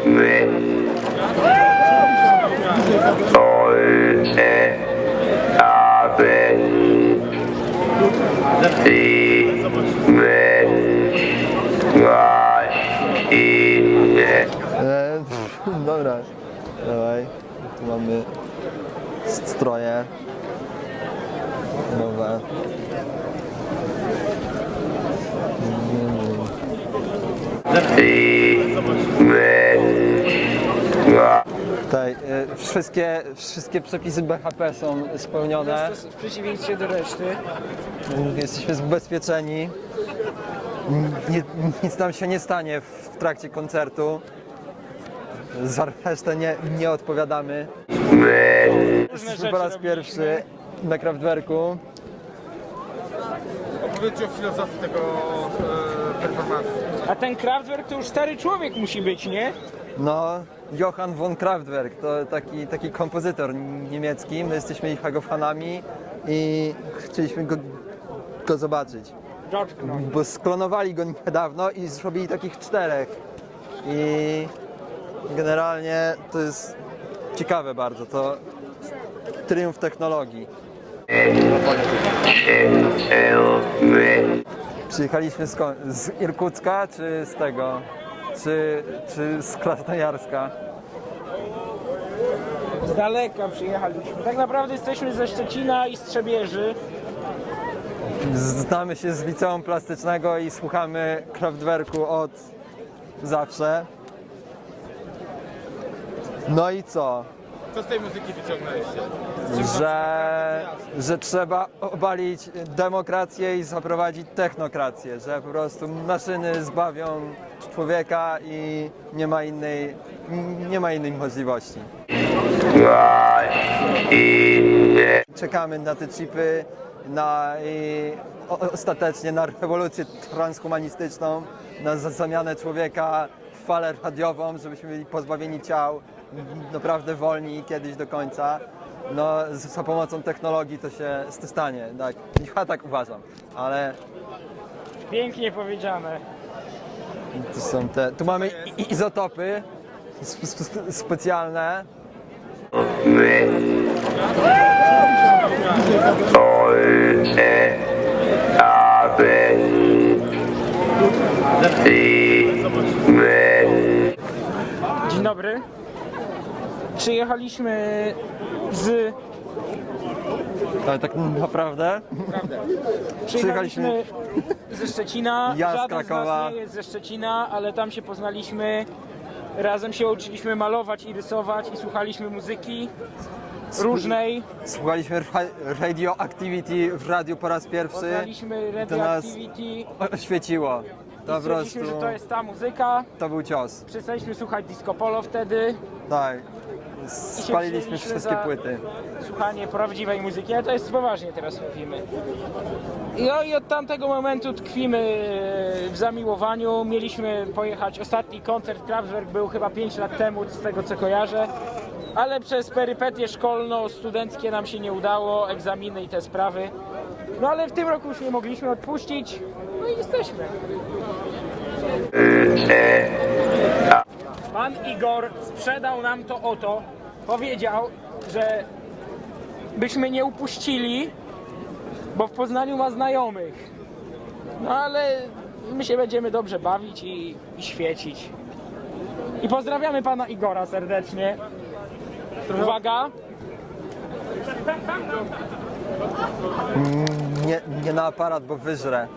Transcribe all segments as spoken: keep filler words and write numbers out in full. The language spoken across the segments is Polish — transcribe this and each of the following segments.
sollte haben die Menschmaschine. E, dobra, dawaj. Tu mamy stroje nowe. Die Menschmaschine. Tutaj e, wszystkie, wszystkie przepisy B H P są spełnione. W przeciwieństwie do reszty. Jesteśmy zabezpieczeni. Nie, nic nam się nie stanie w trakcie koncertu. Za resztę nie, nie odpowiadamy. Jesteśmy po raz pierwszy na Kraftwerku. Opowiedzcie o filozofii tego e, performansu. A ten Kraftwerk to już stary człowiek musi być, nie? No, Johann von Kraftwerk to taki, taki kompozytor niemiecki. My jesteśmy ich jego fanami i chcieliśmy go, go zobaczyć. George Knopf. Bo sklonowali go niedawno i zrobili takich czterech. I generalnie to jest ciekawe bardzo. To triumf technologii. Przyjechaliśmy skąd? Z Irkucka czy z tego? Czy, czy z Krasnojarska? Z daleka przyjechaliśmy. Tak naprawdę jesteśmy ze Szczecina i Strzebieży. Znamy się z liceum plastycznego i słuchamy Kraftwerku od zawsze. No i co? Co z tej muzyki wyciągnęliście? Że, że trzeba obalić demokrację i zaprowadzić technokrację, że po prostu maszyny zbawią człowieka i nie ma innej, nie ma innej możliwości. Czekamy na te chipy, na i o, ostatecznie na rewolucję transhumanistyczną, na za- zamianę człowieka w falę radiową, żebyśmy byli pozbawieni ciał, naprawdę wolni kiedyś do końca. No, z, za pomocą technologii to się to stanie, tak. Ja tak uważam, ale Pięknie powiedziane. to są te, tu mamy i- izotopy sp- sp- specjalne. Sollte haben die Menschmaschine. Dzień dobry. Przyjechaliśmy z... Ale tak naprawdę Przyjechaliśmy ze Szczecina. Ja z Żaden Krakowa. z nas nie jest ze Szczecina, ale tam się poznaliśmy. Razem się uczyliśmy malować i rysować i słuchaliśmy muzyki różnej. słuchaliśmy ra- Radioactivity w radiu po raz pierwszy. Poznaliśmy To nas Radioactivity. oświeciło. To po prostu, Stwierdziliśmy, że to jest ta muzyka. to był cios. Przestaliśmy słuchać disco polo wtedy. Tak. I się Spaliliśmy wzięliśmy wszystkie za płyty. Słuchanie prawdziwej muzyki, ale to jest poważnie teraz mówimy. No i od tamtego momentu tkwimy w zamiłowaniu. Mieliśmy pojechać, ostatni koncert Kraftwerk był chyba pięć lat temu, z tego co kojarzę. Ale przez perypetie szkolno-studenckie nam się nie udało, egzaminy i te sprawy. No ale w tym roku już nie mogliśmy odpuścić, no i jesteśmy. Pan Igor sprzedał nam to oto. Powiedział, że byśmy nie upuścili, bo w Poznaniu ma znajomych. No ale my się będziemy dobrze bawić i, i świecić. I pozdrawiamy pana Igora serdecznie. Uwaga! Nie, nie na aparat, bo wyżre.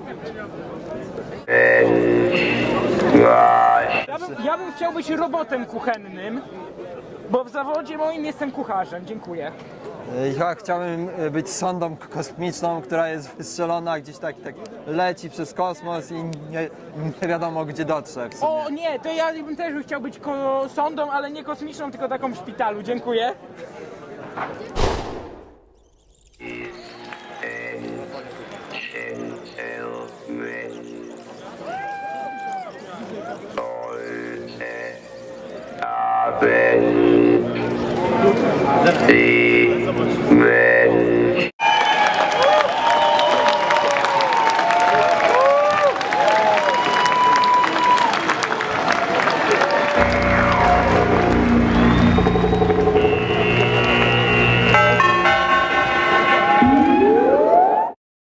Ja bym, ja bym chciał być robotem kuchennym, bo w zawodzie moim jestem kucharzem. Dziękuję. Ja chciałbym być sondą kosmiczną, która jest wystrzelona gdzieś tak, tak leci przez kosmos i nie, nie wiadomo gdzie dotrze w sumie. O nie, to ja bym też chciał być ko- sondą, ale nie kosmiczną, tylko taką w szpitalu. Dziękuję. Die